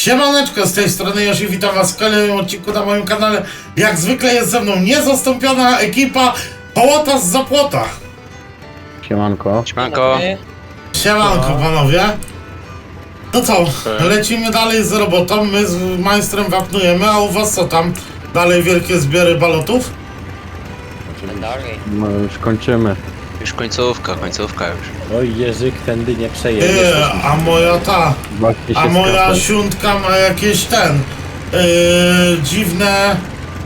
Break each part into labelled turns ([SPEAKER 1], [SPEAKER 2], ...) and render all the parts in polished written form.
[SPEAKER 1] Siemaneczko, z tej strony Josi, witam was w kolejnym odcinku na moim kanale. Jak zwykle jest ze mną niezastąpiona ekipa Hołota z Zapłota.
[SPEAKER 2] Siemanko.
[SPEAKER 3] Siemanko.
[SPEAKER 1] Siemanko panowie. No co, lecimy dalej z robotą, my z majstrem wapnujemy, a u was co tam? Dalej wielkie zbiory balotów?
[SPEAKER 3] Dalej.
[SPEAKER 2] No już kończymy.
[SPEAKER 3] Już końcówka już.
[SPEAKER 4] Oj, Jerzyk, tędy nie przejedziesz.
[SPEAKER 1] A moja ta,
[SPEAKER 2] Właśnie się
[SPEAKER 1] a moja
[SPEAKER 2] skapać.
[SPEAKER 1] siuntka ma jakieś dziwne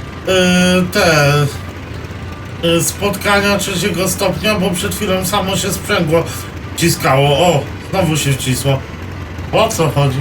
[SPEAKER 1] spotkania trzeciego stopnia, bo przed chwilą samo się sprzęgło wciskało. O, znowu się wcisło. O co chodzi?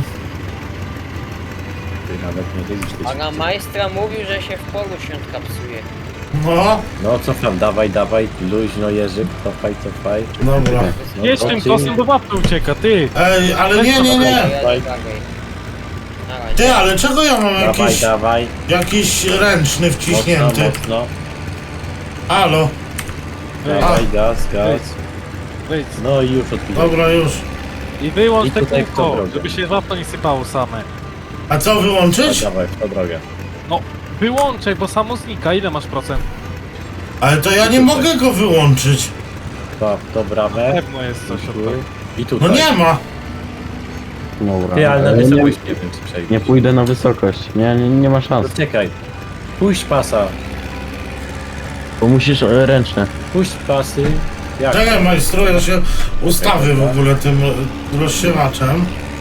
[SPEAKER 4] Ty nawet nie widzisz.
[SPEAKER 5] A na majstra mówił, że się w polu świątka psuje.
[SPEAKER 1] No,
[SPEAKER 4] No cofam, dawaj, luźno Jerzyk, cofaj.
[SPEAKER 1] dobra.
[SPEAKER 4] No,
[SPEAKER 6] Jedź tym kosem do wapnu ucieka, ty!
[SPEAKER 1] Ej, ale nie.
[SPEAKER 4] Dawaj.
[SPEAKER 1] Ty, ale czego ja mam
[SPEAKER 4] Dawaj,
[SPEAKER 1] jakiś ręczny wciśnięty?
[SPEAKER 4] mocno.
[SPEAKER 1] Halo,
[SPEAKER 4] Dawaj, gaz.
[SPEAKER 6] Wejdź.
[SPEAKER 4] No i już odpilę.
[SPEAKER 1] dobra już.
[SPEAKER 6] I wyłącz
[SPEAKER 4] I
[SPEAKER 6] te
[SPEAKER 4] tutaj w tą
[SPEAKER 6] kółko,
[SPEAKER 4] drogę.
[SPEAKER 6] żeby się wapno nie sypało same.
[SPEAKER 1] A co wyłączyć?
[SPEAKER 4] Dawaj, w tą drogę.
[SPEAKER 6] No, wyłączaj, bo samo znika. Ile masz procent?
[SPEAKER 1] Ale to ja nie mogę go wyłączyć.
[SPEAKER 4] To bramę.
[SPEAKER 6] Pewno jest coś od tego.
[SPEAKER 4] I
[SPEAKER 1] No
[SPEAKER 4] tutaj.
[SPEAKER 1] nie ma.
[SPEAKER 2] Dobra.
[SPEAKER 4] Ty, ale na
[SPEAKER 2] Ale
[SPEAKER 4] wysokość nie wiem, czy przejdziesz.
[SPEAKER 2] nie pójdę na wysokość. Nie ma szans.
[SPEAKER 4] To czekaj. Puść pasa.
[SPEAKER 2] Bo musisz ręczne.
[SPEAKER 4] Puść pasy. Jak?
[SPEAKER 1] Czekaj majstru, ja się ustawię w ogóle tym rozsiewaczem.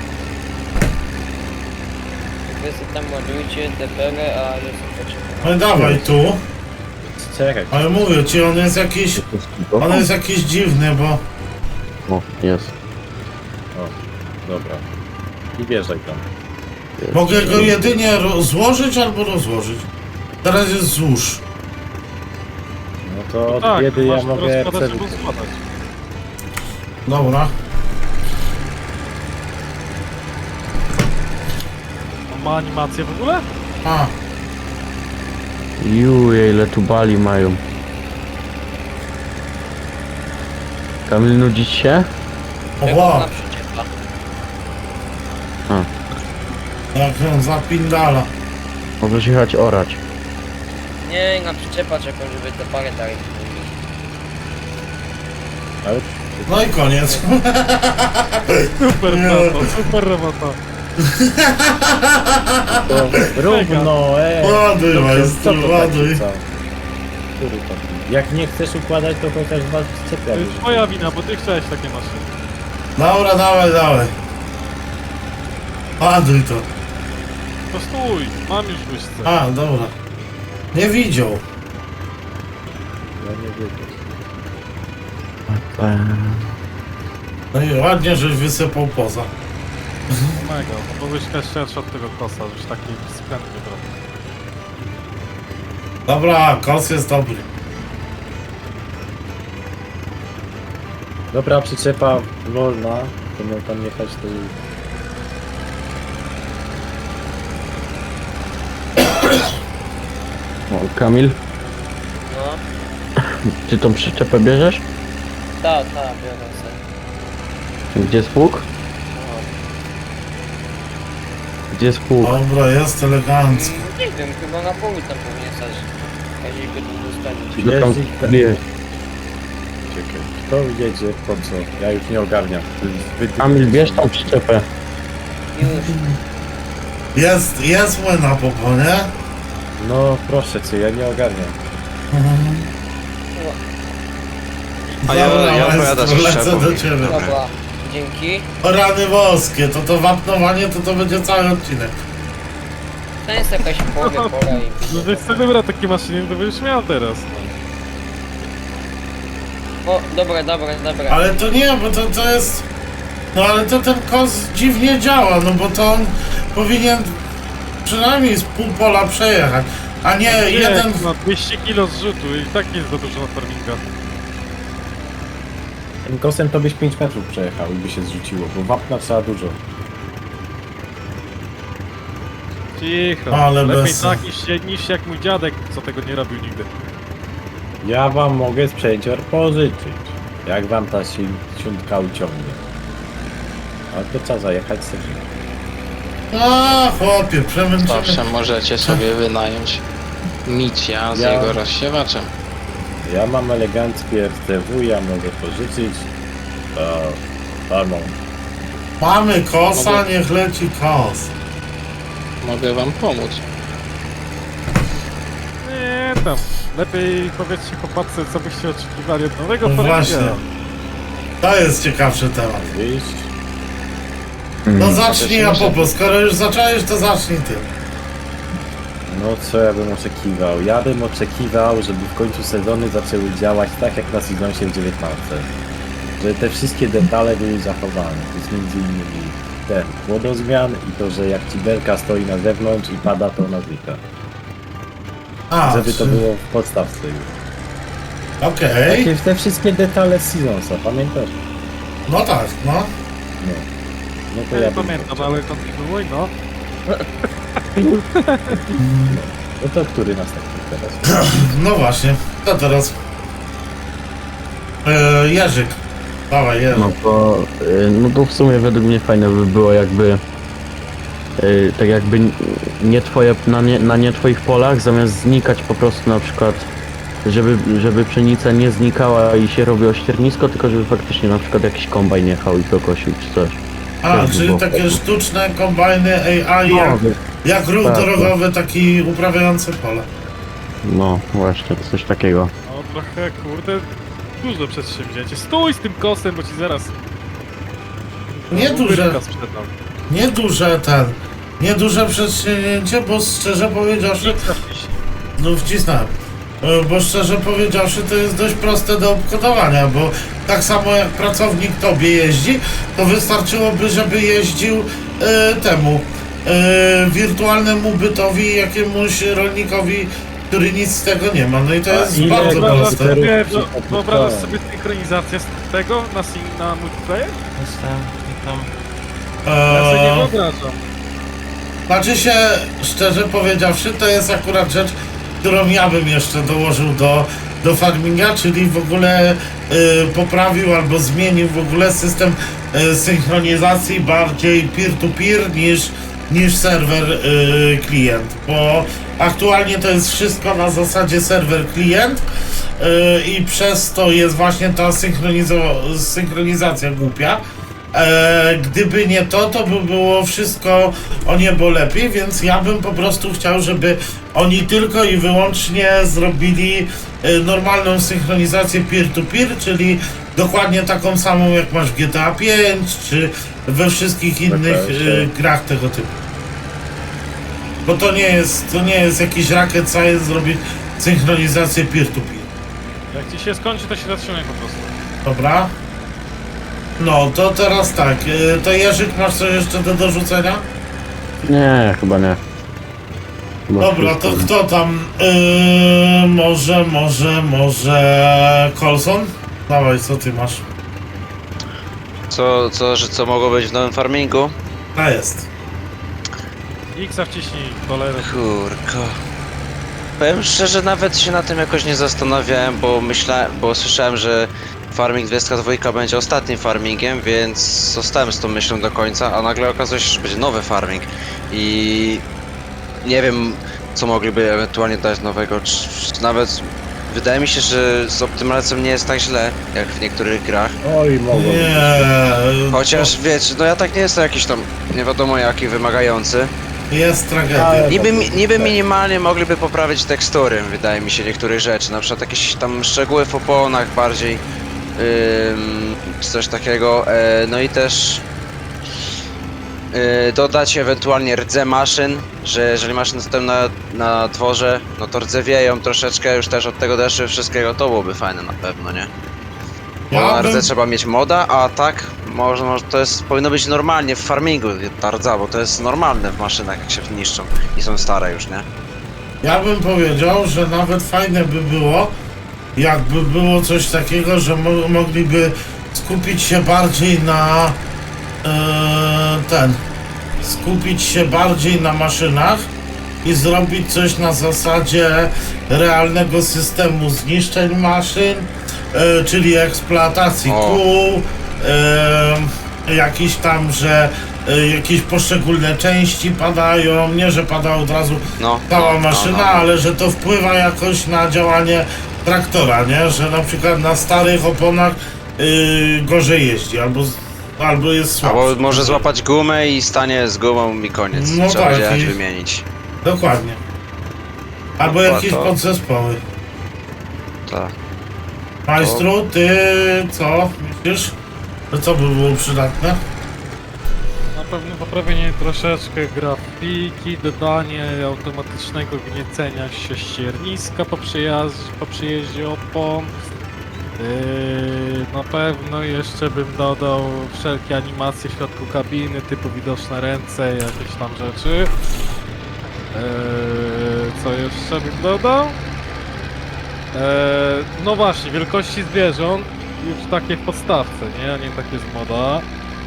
[SPEAKER 5] Wy sobie tam ładujcie DPL, a ja sobie poczekam.
[SPEAKER 1] No i dawaj tu.
[SPEAKER 4] Czekaj.
[SPEAKER 1] Ale mówię ci, on jest jakiś dziwny, bo...
[SPEAKER 2] O, jest.
[SPEAKER 4] Dobra. I wjeżdżaj tam.
[SPEAKER 1] Mogę go jedynie złożyć albo rozłożyć. Teraz jest złóż.
[SPEAKER 4] No to od
[SPEAKER 6] Tak,
[SPEAKER 4] biedy ja
[SPEAKER 6] masz
[SPEAKER 4] mogę
[SPEAKER 6] rozkładać,
[SPEAKER 4] przed...
[SPEAKER 6] żeby składać.
[SPEAKER 1] Dobra.
[SPEAKER 6] On ma animację w ogóle?
[SPEAKER 1] A,
[SPEAKER 2] Juje, ile tu bali mają. Kamil, nudzić się?
[SPEAKER 1] oho,
[SPEAKER 5] Na przyczepa.
[SPEAKER 1] jak on zapindala.
[SPEAKER 2] Możesz jechać orać.
[SPEAKER 5] Nie, na przyczepa czekam, żeby te parę dalej mówili.
[SPEAKER 4] Ale
[SPEAKER 1] No i koniec.
[SPEAKER 6] Super
[SPEAKER 1] Nie.
[SPEAKER 6] robota, super robota.
[SPEAKER 4] to równo,
[SPEAKER 1] Ładuj,
[SPEAKER 4] Co
[SPEAKER 1] majstru,
[SPEAKER 4] to
[SPEAKER 1] ładuj.
[SPEAKER 4] taki co? Który to? Jak nie chcesz układać, to chociaż was czepia.
[SPEAKER 6] To jest twoja wina, bo ty chciałeś takie maszyny.
[SPEAKER 1] Dobra, dawaj. Ładuj to.
[SPEAKER 6] To stój, mam już łyżce.
[SPEAKER 1] A, dobra. Nie widział.
[SPEAKER 4] Ja nie wiedzieć.
[SPEAKER 1] No i ładnie, żeś wysypał poza.
[SPEAKER 6] Mega, no bo łyżka jest szersza od tego kosa, żeś taki spędny trochę.
[SPEAKER 1] Dobra, kos jest dobry.
[SPEAKER 4] Dobra, przyczepa wolna, to miał tam jechać to...
[SPEAKER 2] O, Kamil,
[SPEAKER 5] No,
[SPEAKER 2] ty tą przyczepę bierzesz?
[SPEAKER 5] biorę sobie.
[SPEAKER 2] Gdzie jest pług?
[SPEAKER 5] No.
[SPEAKER 2] Gdzie jest pług?
[SPEAKER 1] Dobra, jest elegancko.
[SPEAKER 5] Nie wiem, chyba na polu tam powinien stać. Jeżeli go tu zostawić.
[SPEAKER 2] Do tam
[SPEAKER 4] Jest
[SPEAKER 2] bierz.
[SPEAKER 4] Czekaj, kto jedzie po co? Ja już nie ogarniam.
[SPEAKER 2] Kamil, bierz tą przyczepę.
[SPEAKER 5] Już.
[SPEAKER 1] Jest młyna popo, nie?
[SPEAKER 4] No proszę cię, ja nie ogarniam.
[SPEAKER 3] A ja
[SPEAKER 1] Dobra,
[SPEAKER 3] opowiadam
[SPEAKER 1] majstru,
[SPEAKER 3] z
[SPEAKER 1] lecę
[SPEAKER 3] przyczepą.
[SPEAKER 1] do ciebie.
[SPEAKER 5] Dobra, dzięki.
[SPEAKER 1] O rany boskie, to wapnowanie to będzie cały odcinek.
[SPEAKER 5] To jest jakaś pola i...
[SPEAKER 6] No wiesz co, wybrał takie maszyny, to będziesz miał teraz.
[SPEAKER 5] O, dobra.
[SPEAKER 1] Ale to nie, bo to jest... No ale to ten kos dziwnie działa, no bo to on powinien przynajmniej z pół pola przejechać, a nie jeden...
[SPEAKER 6] No 200 kg zrzutu i tak nie jest za dużo na farmingach.
[SPEAKER 4] Tym kosem to byś 5 metrów przejechał i by się zrzuciło, bo wapna trzeba dużo.
[SPEAKER 6] Cicho,
[SPEAKER 1] Ale
[SPEAKER 6] lepiej
[SPEAKER 1] bez-
[SPEAKER 6] tak niż jak mój dziadek, co tego nie robił nigdy.
[SPEAKER 4] Ja wam mogę sprzęcior pożyczyć, jak wam ta siuntka uciągnie. Ale to trzeba zajechać sobie.
[SPEAKER 1] A, chłopie, przemęczymy.
[SPEAKER 7] Zawsze możecie sobie wynająć Micia z
[SPEAKER 4] Ja-
[SPEAKER 7] jego rozsiewaczem.
[SPEAKER 4] Ja mam eleganckie RTW, ja mogę pożyczyć. Palmą.
[SPEAKER 1] Mamy kosa, niech leci kos.
[SPEAKER 7] Mogę wam pomóc.
[SPEAKER 6] Nie tam. Lepiej powiedzcie chłopacy, co byście oczekiwali od nowego
[SPEAKER 1] No
[SPEAKER 6] Formiga.
[SPEAKER 1] właśnie. To jest ciekawszy temat.
[SPEAKER 4] Widzisz?
[SPEAKER 1] No zacznij, a popo, skoro już zacząłeś, to zacznij ty.
[SPEAKER 4] No co ja bym oczekiwał? Ja bym oczekiwał, żeby w końcu sezony zaczęły działać tak jak na sezonie 19. Że te wszystkie detale były zachowane. To jest między innymi ten płodozmian i to, że jak ci belka stoi na zewnątrz i pada, to ona znika.
[SPEAKER 1] A,
[SPEAKER 4] Żeby to
[SPEAKER 1] czy-
[SPEAKER 4] było w podstawce już.
[SPEAKER 1] Okej.
[SPEAKER 4] Takie te wszystkie detale z Seasonsa, pamiętasz?
[SPEAKER 1] No tak, no.
[SPEAKER 4] No. No to
[SPEAKER 6] Ja
[SPEAKER 4] ja
[SPEAKER 6] nie
[SPEAKER 4] bym
[SPEAKER 6] pamiętam, ale kontynuuj, no.
[SPEAKER 4] No to który następny teraz?
[SPEAKER 1] No właśnie. To teraz. Jerzyk. Dawaj, Jerzyk.
[SPEAKER 2] No to w sumie według mnie fajne by było jakby tak jakby nie twoje, na nie twoich polach zamiast znikać po prostu na przykład żeby pszenica nie znikała i się robiło ściernisko, tylko żeby faktycznie na przykład jakiś kombajn jechał i to kosił czy coś.
[SPEAKER 1] A,
[SPEAKER 2] też by
[SPEAKER 1] czyli
[SPEAKER 2] było
[SPEAKER 1] takie
[SPEAKER 2] fajne.
[SPEAKER 1] sztuczne kombajny AI, jak ruch
[SPEAKER 2] tak,
[SPEAKER 1] drogowy, taki uprawiający pole.
[SPEAKER 2] No właśnie, coś takiego.
[SPEAKER 6] No trochę, kurde, dużo przedsięwzięcie. Stój z tym kosem, bo ci zaraz...
[SPEAKER 1] Nie duże.
[SPEAKER 6] Łydka sprzedam.
[SPEAKER 1] Nieduże przedsięwzięcie, bo szczerze powiedziawszy, no wcisnąłem. Bo szczerze powiedziawszy, to jest dość proste do obkodowania, bo tak samo jak pracownik tobie jeździ, to wystarczyłoby, żeby jeździł temu wirtualnemu bytowi, jakiemuś rolnikowi, który nic z tego nie ma. No i to
[SPEAKER 4] A
[SPEAKER 1] jest
[SPEAKER 4] ile
[SPEAKER 1] bardzo
[SPEAKER 4] wyobrażasz
[SPEAKER 1] proste.
[SPEAKER 4] sobie-
[SPEAKER 6] Wyobrażasz sobie synchronizację z tego na multiplayer? Ja sobie nie
[SPEAKER 1] Eee,
[SPEAKER 6] wyobrażam.
[SPEAKER 1] Znaczy się, szczerze powiedziawszy, to jest akurat rzecz, którą ja bym jeszcze dołożył do farminga, czyli w ogóle poprawił albo zmienił w ogóle system synchronizacji bardziej peer-to-peer niż serwer klient, bo aktualnie to jest wszystko na zasadzie serwer klient i przez to jest właśnie ta synchronizacja głupia. Gdyby nie to, to by było wszystko o niebo lepiej, więc ja bym po prostu chciał, żeby oni tylko i wyłącznie zrobili normalną synchronizację peer-to-peer, czyli dokładnie taką samą jak masz w GTA 5 czy we wszystkich innych grach tego typu. Bo to nie jest jakiś racket science zrobić synchronizację peer-to-peer.
[SPEAKER 6] Jak ci się skończy, to się zatrzymaj po prostu.
[SPEAKER 1] Dobra? No, to teraz tak, to Jerzyk, masz coś jeszcze do dorzucenia?
[SPEAKER 2] Nie, chyba nie. Chyba
[SPEAKER 1] Dobra, to
[SPEAKER 2] wszystko.
[SPEAKER 1] kto tam? Może Colson? Dawaj, co ty masz?
[SPEAKER 3] Co mogło być w nowym farmingu?
[SPEAKER 1] A jest.
[SPEAKER 6] X-a wciśnij, cholerę.
[SPEAKER 3] Kurko. Powiem szczerze, nawet się na tym jakoś nie zastanawiałem, bo słyszałem, że Farming 22 będzie ostatnim farmingiem, więc zostałem z tą myślą do końca, a nagle okazuje się, że będzie nowy farming i nie wiem, co mogliby ewentualnie dać nowego, czy nawet wydaje mi się, że z optymalizacją nie jest tak źle, jak w niektórych grach.
[SPEAKER 4] Oj, mogło być.
[SPEAKER 1] Nie,
[SPEAKER 3] Chociaż wiecie, no ja tak nie jestem jakiś tam nie wiadomo jaki wymagający.
[SPEAKER 1] jest tragedia.
[SPEAKER 4] Ale-
[SPEAKER 3] Niby minimalnie mogliby poprawić tekstury, wydaje mi się, niektórych rzeczy, na przykład jakieś tam szczegóły w oponach bardziej, czy coś takiego, no i też dodać ewentualnie rdze maszyn, że jeżeli maszyny stoją na dworze, no to rdzewieją troszeczkę już też od tego deszczu wszystkiego, to byłoby fajne na pewno, nie? Bo
[SPEAKER 1] Ja
[SPEAKER 3] na rdze
[SPEAKER 1] bym,
[SPEAKER 3] trzeba mieć moda, a tak może to powinno być normalnie w farmingu ta rdza, bo to jest normalne w maszynach jak się niszczą i są stare już, nie?
[SPEAKER 1] ja bym powiedział, że nawet fajne by było, jakby było coś takiego, że mogliby skupić się bardziej na skupić się bardziej na maszynach i zrobić coś na zasadzie realnego systemu zniszczeń maszyn, czyli eksploatacji
[SPEAKER 3] O.
[SPEAKER 1] kół, jakiś tam, że jakieś poszczególne części padają, nie że pada od razu
[SPEAKER 3] No,
[SPEAKER 1] cała
[SPEAKER 3] no,
[SPEAKER 1] maszyna,
[SPEAKER 3] no.
[SPEAKER 1] ale że to wpływa jakoś na działanie traktora, nie? Że na przykład na starych oponach gorzej jeździ, albo jest słabszy.
[SPEAKER 3] Albo może złapać gumę i stanie z gumą i koniec.
[SPEAKER 1] No
[SPEAKER 3] Trzeba
[SPEAKER 1] tak,
[SPEAKER 3] będzie jechać
[SPEAKER 1] i-
[SPEAKER 3] wymienić.
[SPEAKER 1] Dokładnie. Albo
[SPEAKER 3] No,
[SPEAKER 1] jakieś
[SPEAKER 3] to-
[SPEAKER 1] podzespoły.
[SPEAKER 3] Tak.
[SPEAKER 1] Majstru, ty co myślisz? Że co by było przydatne?
[SPEAKER 6] Na pewno poprawienie troszeczkę grafiki, dodanie automatycznego gniecenia ścierniska po przyjeździe opon. Na pewno jeszcze bym dodał wszelkie animacje w środku kabiny, typu widoczne ręce, jakieś tam rzeczy. Co jeszcze bym dodał? No właśnie, wielkości zwierząt już takie w podstawce, nie? A nie takie z moda.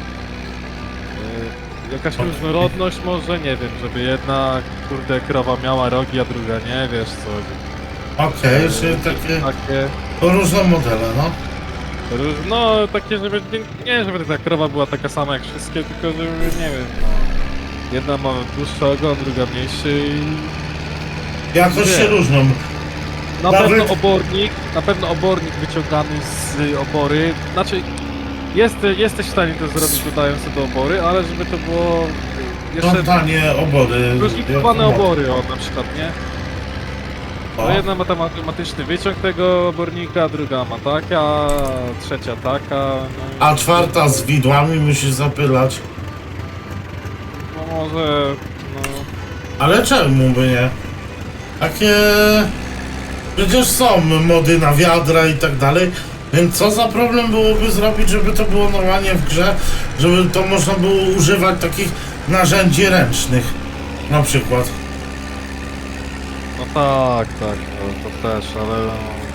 [SPEAKER 6] Jakaś różnorodność może, nie wiem, żeby jedna, kurde, krowa miała rogi, a druga nie, wiesz co.
[SPEAKER 1] Okej, czyli takie różne modele, no.
[SPEAKER 6] No, takie, żeby, nie żeby ta krowa była taka sama jak wszystkie, tylko żeby, nie wiem, no. Jedna ma dłuższy ogon, druga mniejszy i...
[SPEAKER 1] Jakoś się
[SPEAKER 6] Nie.
[SPEAKER 1] różnią.
[SPEAKER 6] Na
[SPEAKER 1] Nawet-
[SPEAKER 6] pewno obornik wyciągany z opory, znaczy jesteś w stanie to zrobić dodając to do opory, ale żeby to było jeszcze
[SPEAKER 1] Żądanie obory.
[SPEAKER 6] różnicowane obory, o na przykład, nie?
[SPEAKER 1] O.
[SPEAKER 6] No jedna ma tam automatyczny wyciąg tego obornika, druga ma taka, trzecia taka, no i...
[SPEAKER 1] A czwarta z widłami musi zapylać.
[SPEAKER 6] No może, no...
[SPEAKER 1] Ale czemu by nie? Takie... Przecież są mody na wiadra i tak dalej. Więc co za problem byłoby zrobić, żeby to było normalnie w grze? Żeby to można było używać takich narzędzi ręcznych. Na przykład.
[SPEAKER 6] No tak, to też, ale... no,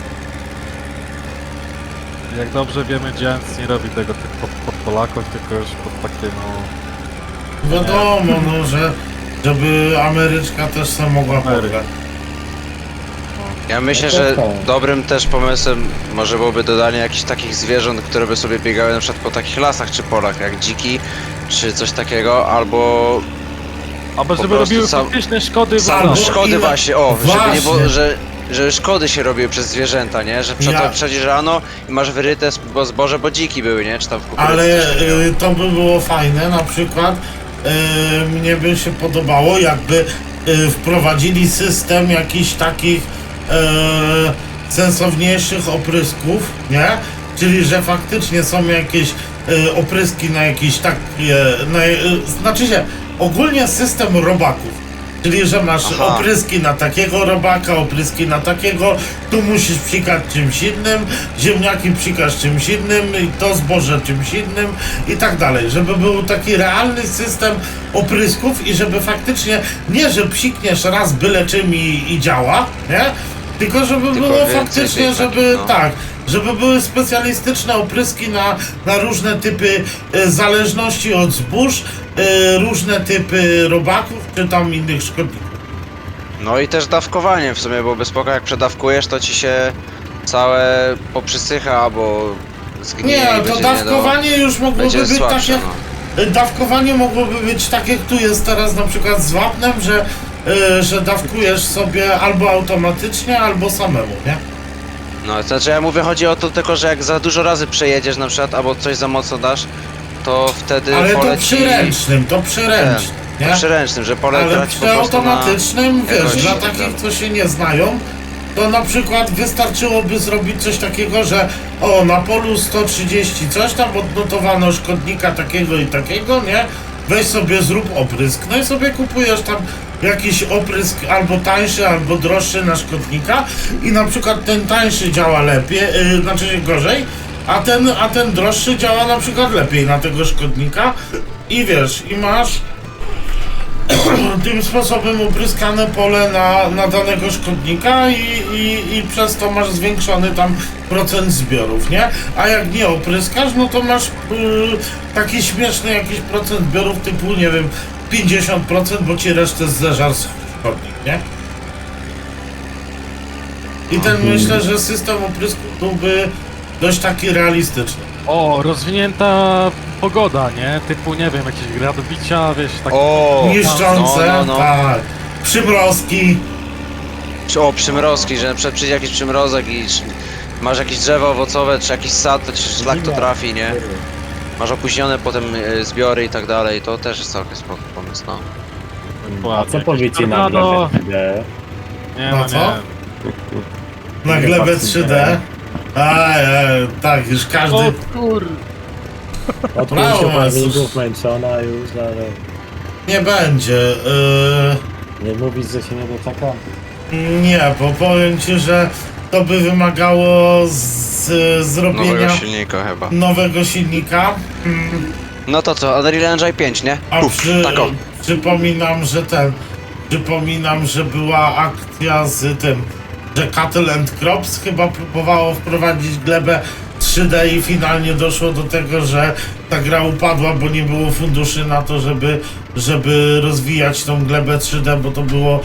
[SPEAKER 6] jak dobrze wiemy, Giants nie robi tego tylko pod Polaków, tylko już pod takie, no...
[SPEAKER 1] Wiadomo, no, że żeby Ameryczka też sobie mogła
[SPEAKER 6] Ameryka.
[SPEAKER 1] pograć.
[SPEAKER 3] Ja myślę,
[SPEAKER 4] No to
[SPEAKER 3] że
[SPEAKER 4] są.
[SPEAKER 3] dobrym też pomysłem może byłoby dodanie jakichś takich zwierząt, które by sobie biegały na przykład po takich lasach czy polach, jak dziki, czy coś takiego, albo
[SPEAKER 6] Albo
[SPEAKER 3] Po
[SPEAKER 6] żeby
[SPEAKER 3] prostu
[SPEAKER 6] robiły
[SPEAKER 3] sam-
[SPEAKER 6] faktyczne szkody w
[SPEAKER 1] Sam-
[SPEAKER 6] ogóle.
[SPEAKER 3] szkody
[SPEAKER 1] ile-
[SPEAKER 3] właśnie, o, żeby nie było,
[SPEAKER 1] Właśnie.
[SPEAKER 3] że szkody się robiły przez zwierzęta, nie? Że
[SPEAKER 1] Ja-
[SPEAKER 3] przechodzisz rano i masz wyryte zboże, bo dziki były, nie? Czy tam w kukurydzy
[SPEAKER 1] Ale
[SPEAKER 3] coś takiego.
[SPEAKER 1] to by było fajne, na przykład mnie by się podobało, jakby wprowadzili system jakichś takich sensowniejszych oprysków, nie? Czyli, że faktycznie są jakieś opryski na jakieś takie, znaczy się, ogólnie system robaków. Czyli, że masz
[SPEAKER 3] Aha.
[SPEAKER 1] opryski na takiego robaka, opryski na takiego, tu musisz psikać czymś innym, ziemniaki psikasz czymś innym, i to zboże czymś innym i tak dalej. Żeby był taki realny system oprysków i żeby faktycznie, nie że psikniesz raz byle czym i działa, nie? Tylko żeby
[SPEAKER 3] Tylko
[SPEAKER 1] było
[SPEAKER 3] więcej
[SPEAKER 1] faktycznie,
[SPEAKER 3] tych
[SPEAKER 1] żeby
[SPEAKER 3] takich, no.
[SPEAKER 1] tak, żeby były specjalistyczne opryski na różne typy zależności od zbóż, różne typy robaków, czy tam innych szkodników.
[SPEAKER 3] No i też dawkowanie w sumie byłoby spoko, jak przedawkujesz, to ci się całe poprzysycha, albo zgnieje
[SPEAKER 1] Nie,
[SPEAKER 3] i
[SPEAKER 1] to
[SPEAKER 3] będzie
[SPEAKER 1] dawkowanie już mogłoby
[SPEAKER 3] będzie
[SPEAKER 1] być
[SPEAKER 3] słabsze,
[SPEAKER 1] tak jak...
[SPEAKER 3] no.
[SPEAKER 1] Dawkowanie mogłoby być tak jak tu jest teraz na przykład z wapnem, że dawkujesz sobie albo automatycznie, albo samemu, nie?
[SPEAKER 3] No, to znaczy ja mówię, chodzi o to tylko, że jak za dużo razy przejedziesz na przykład, albo coś za mocno dasz, to wtedy
[SPEAKER 1] Ale to
[SPEAKER 3] poleci...
[SPEAKER 1] przyręcznym, to przyręcznym,
[SPEAKER 3] To
[SPEAKER 1] nie?
[SPEAKER 3] przyręcznym, że pole
[SPEAKER 1] Ale
[SPEAKER 3] traci po
[SPEAKER 1] przy
[SPEAKER 3] prostu na...
[SPEAKER 1] automatycznym, wiesz,
[SPEAKER 3] jakości
[SPEAKER 1] dla
[SPEAKER 3] i tak
[SPEAKER 1] takich,
[SPEAKER 3] dalej.
[SPEAKER 1] co się nie znają, to na przykład wystarczyłoby zrobić coś takiego, że o, na polu 130 coś tam odnotowano szkodnika takiego i takiego, nie? Weź sobie, zrób oprysk, no i sobie kupujesz tam jakiś oprysk albo tańszy, albo droższy na szkodnika i na przykład ten tańszy działa lepiej, znaczy się gorzej, a ten droższy działa na przykład lepiej na tego szkodnika i wiesz, i masz tym sposobem upryskane pole na danego szkodnika i przez to masz zwiększony tam procent zbiorów, nie? A jak nie opryskasz, no to masz taki śmieszny jakiś procent zbiorów typu, nie wiem, 50%, bo ci resztę zeżar szkodnik, nie? I ten myślę, że system oprysku byłby dość taki realistyczny.
[SPEAKER 6] O, rozwinięta pogoda, nie? Typu, nie wiem, jakieś gradobicia, wiesz, takie...
[SPEAKER 3] O!
[SPEAKER 1] Niszczące,
[SPEAKER 3] no.
[SPEAKER 1] tak. Przymrozki.
[SPEAKER 3] O, przymrozki, że na przykład przyjdzie jakiś przymrozek i masz jakieś drzewo owocowe, czy jakiś sad, to ci szlak to trafi, nie? Masz opóźnione potem zbiory i tak dalej, to też jest całkiem spoko pomysł, no.
[SPEAKER 4] A co powiecie na
[SPEAKER 6] tornado.
[SPEAKER 4] glebę 3D?
[SPEAKER 6] Nie,
[SPEAKER 1] No
[SPEAKER 6] no
[SPEAKER 1] co?
[SPEAKER 6] nie.
[SPEAKER 1] Na glebę 3D. Tak, już każdy...
[SPEAKER 6] O kur...
[SPEAKER 4] Od
[SPEAKER 1] Brawo,
[SPEAKER 4] 5 farmingów
[SPEAKER 1] Jezus.
[SPEAKER 4] męczona już, ale
[SPEAKER 1] Nie będzie.
[SPEAKER 4] nie mówisz, że się nie doczeka?
[SPEAKER 1] Nie, bo powiem ci, że to by wymagało zrobienia
[SPEAKER 3] Nowego silnika chyba.
[SPEAKER 1] nowego silnika.
[SPEAKER 3] No to co, Unreal Engine 5, nie?
[SPEAKER 1] A
[SPEAKER 3] tak o.
[SPEAKER 1] przypominam, że była akcja z tym, że Cattle and Crops chyba próbowało wprowadzić glebę 3D i finalnie doszło do tego, że ta gra upadła, bo nie było funduszy na to, żeby rozwijać tą glebę 3D, bo to było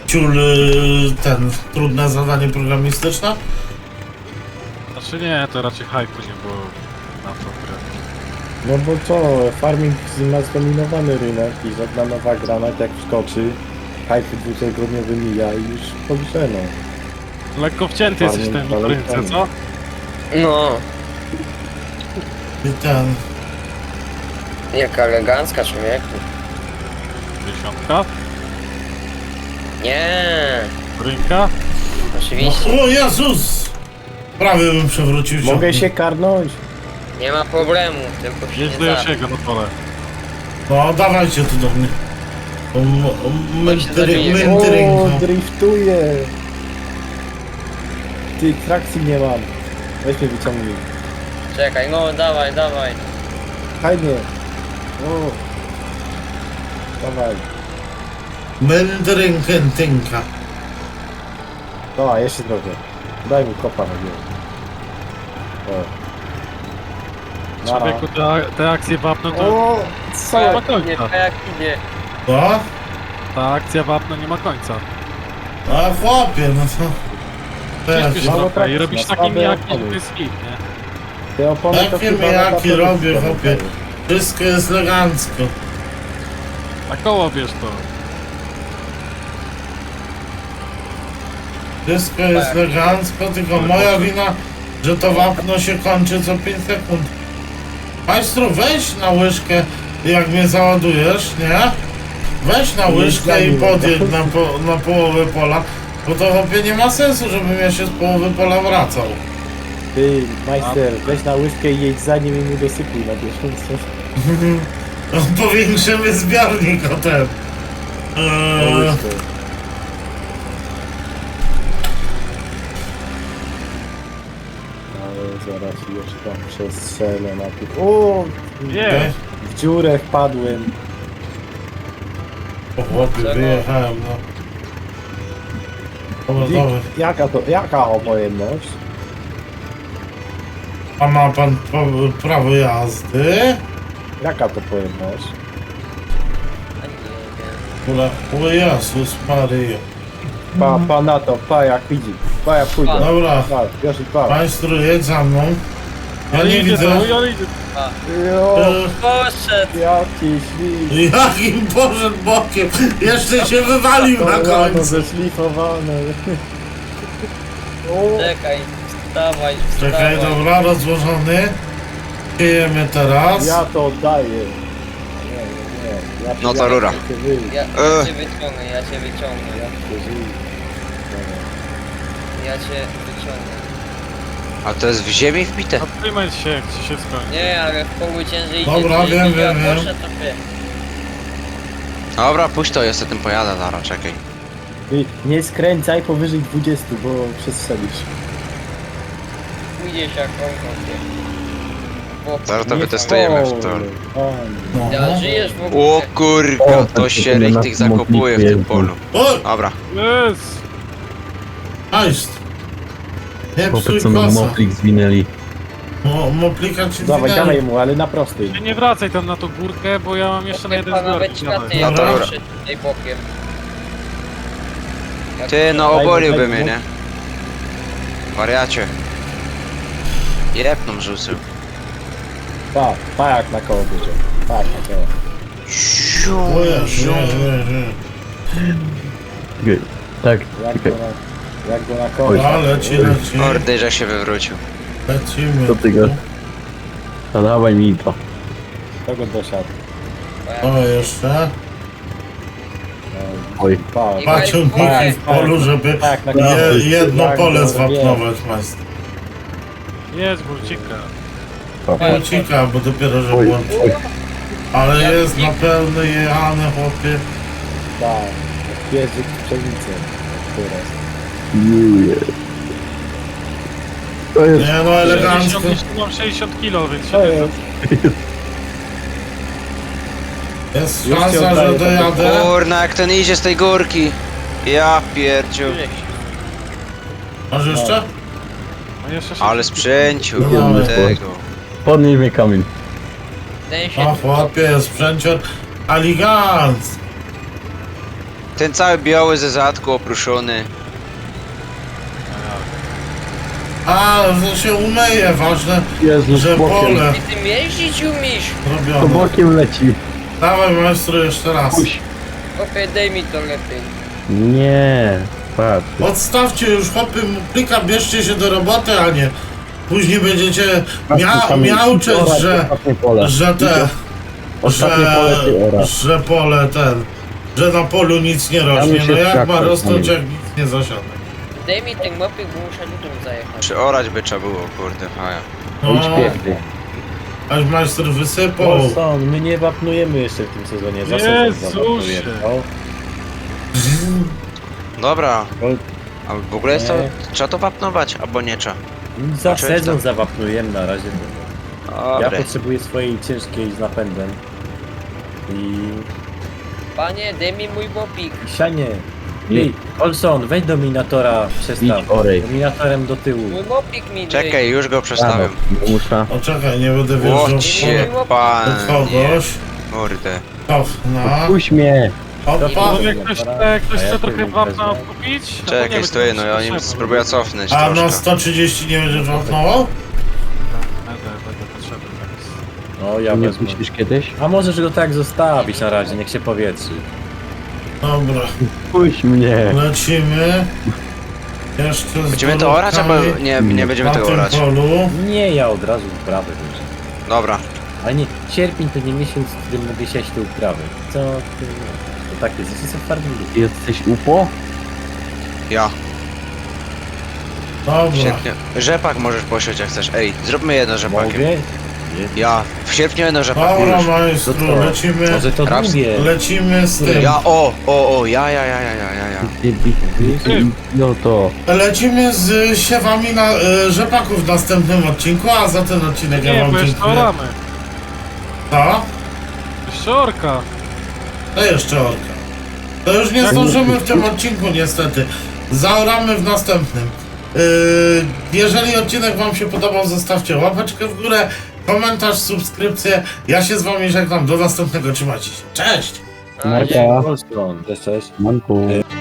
[SPEAKER 1] trudne zadanie programistyczne.
[SPEAKER 6] Znaczy nie, to raczej hype'u nie było na tą grę.
[SPEAKER 4] No bo co, farming ma zdominowany rynek i żadna nowa gra, nawet jak wskoczy, hype dwutygodniowy mija i już policzeno.
[SPEAKER 6] Lekko wcięty jesteś w
[SPEAKER 4] Farming
[SPEAKER 6] tym
[SPEAKER 4] dalej
[SPEAKER 6] rynce,
[SPEAKER 4] tam.
[SPEAKER 6] co?
[SPEAKER 5] No,
[SPEAKER 1] I
[SPEAKER 5] jaka elegancka, człowieku.
[SPEAKER 6] 50.
[SPEAKER 5] Nie,
[SPEAKER 6] Rynka?
[SPEAKER 5] oczywiście.
[SPEAKER 1] O Jezus! Prawie bym przewrócił
[SPEAKER 4] Mogę
[SPEAKER 1] ciągnik.
[SPEAKER 4] się karnąć?
[SPEAKER 5] Nie ma problemu, tylko się
[SPEAKER 6] Jedź
[SPEAKER 5] nie
[SPEAKER 6] do
[SPEAKER 5] da.
[SPEAKER 6] Josiego na pole.
[SPEAKER 1] No dawajcie tu do mnie.
[SPEAKER 5] się zabije.
[SPEAKER 4] O,
[SPEAKER 1] Mędrynko.
[SPEAKER 4] driftuję! Ty, trakcji nie mam. Weź mnie wyciągnij.
[SPEAKER 5] Czekaj, no dawaj, dawaj.
[SPEAKER 4] Fajnie. O. Dawaj.
[SPEAKER 1] Mędrynkę.
[SPEAKER 4] Dawaj, jeszcze trochę. Daj mi kopa na górę. O. Nara.
[SPEAKER 6] Człowieku, te akcje wapno to
[SPEAKER 4] O, co?
[SPEAKER 6] nie ma
[SPEAKER 5] Nie,
[SPEAKER 6] końca.
[SPEAKER 5] jak idzie.
[SPEAKER 1] Co?
[SPEAKER 6] Ta akcja wapno nie ma końca.
[SPEAKER 1] A chłopie, no to...
[SPEAKER 6] Ciężko się
[SPEAKER 4] mało
[SPEAKER 6] trochę i
[SPEAKER 4] trakcji,
[SPEAKER 6] robisz
[SPEAKER 4] na
[SPEAKER 6] taki
[SPEAKER 4] słabe
[SPEAKER 6] mijaki, że
[SPEAKER 4] opony.
[SPEAKER 6] to jest hit, nie?
[SPEAKER 4] Te opony to
[SPEAKER 1] Jakie
[SPEAKER 4] chyba
[SPEAKER 1] mijaki
[SPEAKER 4] na
[SPEAKER 1] robię,
[SPEAKER 4] pewno
[SPEAKER 1] chłopie? Wszystko jest elegancko.
[SPEAKER 6] Na koło bierz to.
[SPEAKER 1] Wszystko jest elegancko, tylko moja wina, że to wapno się kończy co 5 sekund. Majstru, weź na łyżkę, jak mnie załadujesz, nie? Weź na łyżkę i podjedź na połowę pola, bo to chłopie nie ma sensu, żebym ja się z połowy pola wracał.
[SPEAKER 4] Ty, majster, weź na łyżkę i jedź za nim i mu dosypuj na bieżąco.
[SPEAKER 1] Powiększymy zbiornik o ten.
[SPEAKER 4] Na łyżkę. Ale zaraz jeszcze tam przestrzelę na tych... O!
[SPEAKER 6] Nie.
[SPEAKER 4] W dziurę wpadłem.
[SPEAKER 1] O chłopie, wyjechałem, no. Dobra.
[SPEAKER 4] Jaka opojemność?
[SPEAKER 1] A ma pan prawo jazdy?
[SPEAKER 4] Jaka to pojemność?
[SPEAKER 1] O Jezus Maryjo.
[SPEAKER 4] Pa na to, pa jak widzi. Pa jak pójdę.
[SPEAKER 1] Dobra,
[SPEAKER 4] Pa, Josi, pa.
[SPEAKER 1] państwo jedź za mną. Ja nie
[SPEAKER 6] idzie
[SPEAKER 1] widzę.
[SPEAKER 6] to, ja idzie.
[SPEAKER 4] Jo,
[SPEAKER 5] Poszedł.
[SPEAKER 4] jaki świt.
[SPEAKER 1] Jakim poszedł bokiem? Jeszcze się wywalił na końcu.
[SPEAKER 4] zeszlifowane. O,
[SPEAKER 5] Czekaj, wstawaj,
[SPEAKER 1] Czekaj,
[SPEAKER 5] wstawaj.
[SPEAKER 1] dobra, rozłożony. Siejemy teraz.
[SPEAKER 4] ja to oddaję. Nie. Ja
[SPEAKER 3] No to rura.
[SPEAKER 5] Ja cię wyciągnę, ja cię wyciągnę. Ja cię wyciągnę.
[SPEAKER 3] A to jest w ziemi wbite?
[SPEAKER 6] Zatrzymaj się, jak ci się skończy.
[SPEAKER 5] Nie, ale w polu ciężej idzie.
[SPEAKER 1] Dobra,
[SPEAKER 5] jeśli
[SPEAKER 1] wiem,
[SPEAKER 5] ja
[SPEAKER 1] wiem.
[SPEAKER 5] poszedł, to wie.
[SPEAKER 3] Dobra, puść to, ja sobie tym pojadę, zaraz, czekaj.
[SPEAKER 4] Ty nie skręcaj powyżej 20, bo przestrzelisz.
[SPEAKER 5] Pójdziesz jak on.
[SPEAKER 3] Zaraz to wytestujemy w to.
[SPEAKER 1] No.
[SPEAKER 5] Ja żyjesz w ogóle.
[SPEAKER 3] O kurka, to się tych zakopuje w tym polu.
[SPEAKER 1] O,
[SPEAKER 3] Dobra.
[SPEAKER 6] Jest!
[SPEAKER 1] Ajst. Nie psuj
[SPEAKER 2] Chłopcy, co na
[SPEAKER 1] kosa.
[SPEAKER 2] moplik zwinęli.
[SPEAKER 1] Moplika ci
[SPEAKER 4] Dawaj,
[SPEAKER 1] zwinęli.
[SPEAKER 4] dawaj mu, ale na prostej.
[SPEAKER 6] Ty nie wracaj tam na tą górkę, bo ja mam jeszcze na jeden
[SPEAKER 5] Chyba
[SPEAKER 6] zbiornik.
[SPEAKER 5] nawet
[SPEAKER 6] Dawaj.
[SPEAKER 5] światy
[SPEAKER 1] Dobra.
[SPEAKER 5] jak przed tutaj bokiem.
[SPEAKER 3] Ty, no oboliłby mnie, nie? Wariacie. Jepną rzucił.
[SPEAKER 4] Pa jak na koło bierze. Pa jak na koło.
[SPEAKER 1] O Jezu,
[SPEAKER 2] Tak,
[SPEAKER 4] Jak go na koło.
[SPEAKER 1] A, leci.
[SPEAKER 3] Mordy, że się wywrócił.
[SPEAKER 1] Lecimy.
[SPEAKER 2] co ty go? To dawaj mi to.
[SPEAKER 4] To go dosiadł.
[SPEAKER 1] O, jeszcze.
[SPEAKER 2] Oj.
[SPEAKER 4] Pa,
[SPEAKER 5] Pa.
[SPEAKER 1] Paciągniki w polu, żeby
[SPEAKER 4] pa jak na koło.
[SPEAKER 1] jedno
[SPEAKER 4] Jak
[SPEAKER 1] pole
[SPEAKER 4] go
[SPEAKER 1] zwapnować, majster.
[SPEAKER 6] Jedź, burcika.
[SPEAKER 1] Ucika, bo dopiero, że
[SPEAKER 2] Oj,
[SPEAKER 1] włączy.
[SPEAKER 2] oj.
[SPEAKER 1] Ale jest na pełny jechany, chłopie.
[SPEAKER 4] Tak, pierzyk w pszenicę. Teraz.
[SPEAKER 2] Juje. To jest...
[SPEAKER 1] Nie no, elegancko.
[SPEAKER 6] Mam 60 kilo, więc
[SPEAKER 4] To
[SPEAKER 6] się
[SPEAKER 4] jest.
[SPEAKER 1] Jest
[SPEAKER 4] Już ci
[SPEAKER 1] szansa, że
[SPEAKER 4] oddaję
[SPEAKER 1] dojadę.
[SPEAKER 3] Kurna, jak ten idzie z tej górki. Ja pierdziu.
[SPEAKER 1] Masz jeszcze?
[SPEAKER 6] No jeszcze się...
[SPEAKER 3] Ale sprzęciu
[SPEAKER 1] No,
[SPEAKER 3] tego.
[SPEAKER 2] Podnieś mnie kamień.
[SPEAKER 5] Ten się
[SPEAKER 1] O chłopie, sprzęcior aligant.
[SPEAKER 3] Ten cały biały ze zadku opruszony.
[SPEAKER 1] A, że się umyje, ważne,
[SPEAKER 2] Jezus,
[SPEAKER 1] że
[SPEAKER 2] bokiem.
[SPEAKER 1] pole
[SPEAKER 5] Ty tym jeździć umiesz?
[SPEAKER 2] To
[SPEAKER 1] robione.
[SPEAKER 2] bokiem leci.
[SPEAKER 1] Dawaj maestro jeszcze raz.
[SPEAKER 2] Puść.
[SPEAKER 5] Chłopie, daj mi to lepiej.
[SPEAKER 2] Nie. Patrz.
[SPEAKER 1] Odstawcie już chłopy, plika, bierzcie się do roboty, a nie później będziecie miauczeć,
[SPEAKER 2] Ostatnie pole.
[SPEAKER 1] że te,
[SPEAKER 2] Ostatnie pole ty oraz.
[SPEAKER 1] że pole ten, że na polu nic nie rośnie.
[SPEAKER 2] Tam się
[SPEAKER 1] No jak ma
[SPEAKER 2] skakać,
[SPEAKER 1] rosnąć,
[SPEAKER 2] tam.
[SPEAKER 1] jak nic nie zasiada?
[SPEAKER 5] Daj mi ten mopik, bo muszę lutą zajechać.
[SPEAKER 3] Przyorać by trzeba było, kurde, faja.
[SPEAKER 2] Idź
[SPEAKER 1] No,
[SPEAKER 2] pięknie.
[SPEAKER 1] aż majster wysypał.
[SPEAKER 4] Olson, my nie wapnujemy jeszcze w tym sezonie. Za sezon
[SPEAKER 6] Jezusie.
[SPEAKER 4] zawapnujemy. O,
[SPEAKER 3] Dobra.
[SPEAKER 4] o,
[SPEAKER 3] A w ogóle jest to...
[SPEAKER 4] Nie.
[SPEAKER 3] Trzeba to wapnować, albo nie trzeba.
[SPEAKER 4] za
[SPEAKER 3] Oczywiście.
[SPEAKER 4] sezon zawapnujemy na razie. Ja
[SPEAKER 3] Dobre.
[SPEAKER 4] potrzebuję swojej ciężkiej z napędem. I
[SPEAKER 5] Panie, daj mi mój mopik.
[SPEAKER 4] sianie. Ej, Olson, wejdź dominatora, przestaw.
[SPEAKER 2] Idź, orej.
[SPEAKER 4] Dominatorem do tyłu.
[SPEAKER 5] Mój mopik mi daj.
[SPEAKER 3] Czekaj, już go przestawiam.
[SPEAKER 2] Muszę.
[SPEAKER 1] O czekaj, nie będę wjeżdżał w
[SPEAKER 3] Łocie,
[SPEAKER 1] pole
[SPEAKER 3] panie.
[SPEAKER 1] do kogoś.
[SPEAKER 3] Mordę.
[SPEAKER 1] Cofna.
[SPEAKER 2] Puść mnie.
[SPEAKER 1] Opa.
[SPEAKER 6] Może ktoś
[SPEAKER 4] A ja
[SPEAKER 6] chce trochę
[SPEAKER 4] tym
[SPEAKER 6] wapna
[SPEAKER 4] wezmę.
[SPEAKER 6] kupić?
[SPEAKER 3] Czekaj, stoję, no ja nim spróbuję cofnąć
[SPEAKER 1] A na
[SPEAKER 3] troszkę.
[SPEAKER 1] 130 nie będziesz wapnował?
[SPEAKER 6] Będę potrzebny teraz.
[SPEAKER 4] No ja
[SPEAKER 2] Nie
[SPEAKER 4] wezmę.
[SPEAKER 2] puścisz kiedyś?
[SPEAKER 4] A możesz go tak zostawić na razie, niech się powietrzy.
[SPEAKER 1] Dobra,
[SPEAKER 2] Puść mnie.
[SPEAKER 1] lecimy. Jeszcze z
[SPEAKER 3] Będziemy to orać, albo
[SPEAKER 1] dorobkami
[SPEAKER 3] nie będziemy
[SPEAKER 1] na
[SPEAKER 3] tego
[SPEAKER 1] tym
[SPEAKER 3] orać?
[SPEAKER 1] polu.
[SPEAKER 4] Nie, ja od razu uprawę wierzę.
[SPEAKER 3] Dobra.
[SPEAKER 4] Ale nie, sierpień to nie miesiąc, w którym mogę siać te uprawy. Co ty? To tak jest, jesteś w farmingu.
[SPEAKER 2] Jesteś UPO?
[SPEAKER 3] Ja.
[SPEAKER 1] Dobra.
[SPEAKER 3] W sierpniu. Rzepak możesz posiąść jak chcesz. Ej, zróbmy jedno rzepakiem.
[SPEAKER 4] Mogę?
[SPEAKER 3] Ja. W sierpniu jedno rzepak
[SPEAKER 1] Dobra,
[SPEAKER 3] już.
[SPEAKER 1] majstru,
[SPEAKER 4] To co?
[SPEAKER 1] lecimy.
[SPEAKER 4] Może to
[SPEAKER 3] Raps-
[SPEAKER 4] drugie.
[SPEAKER 1] Lecimy z tym.
[SPEAKER 3] Ja, ja.
[SPEAKER 2] No to.
[SPEAKER 1] Lecimy z siewami na rzepaków w następnym odcinku, a za ten odcinek ja
[SPEAKER 6] Nie,
[SPEAKER 1] wam
[SPEAKER 6] bo jeszcze
[SPEAKER 1] dziękuję.
[SPEAKER 6] oramy.
[SPEAKER 1] Co?
[SPEAKER 6] Jeszcze orka.
[SPEAKER 1] To jeszcze orka. To już nie zdążymy w tym odcinku niestety. Zaoramy w następnym. Jeżeli odcinek wam się podobał, zostawcie łapeczkę w górę, komentarz, subskrypcję. Ja się z wami żegnam. Do następnego. Trzymajcie się. Cześć!
[SPEAKER 5] A,
[SPEAKER 2] Marka.
[SPEAKER 4] Olson, cześć, cześć.
[SPEAKER 2] Manku.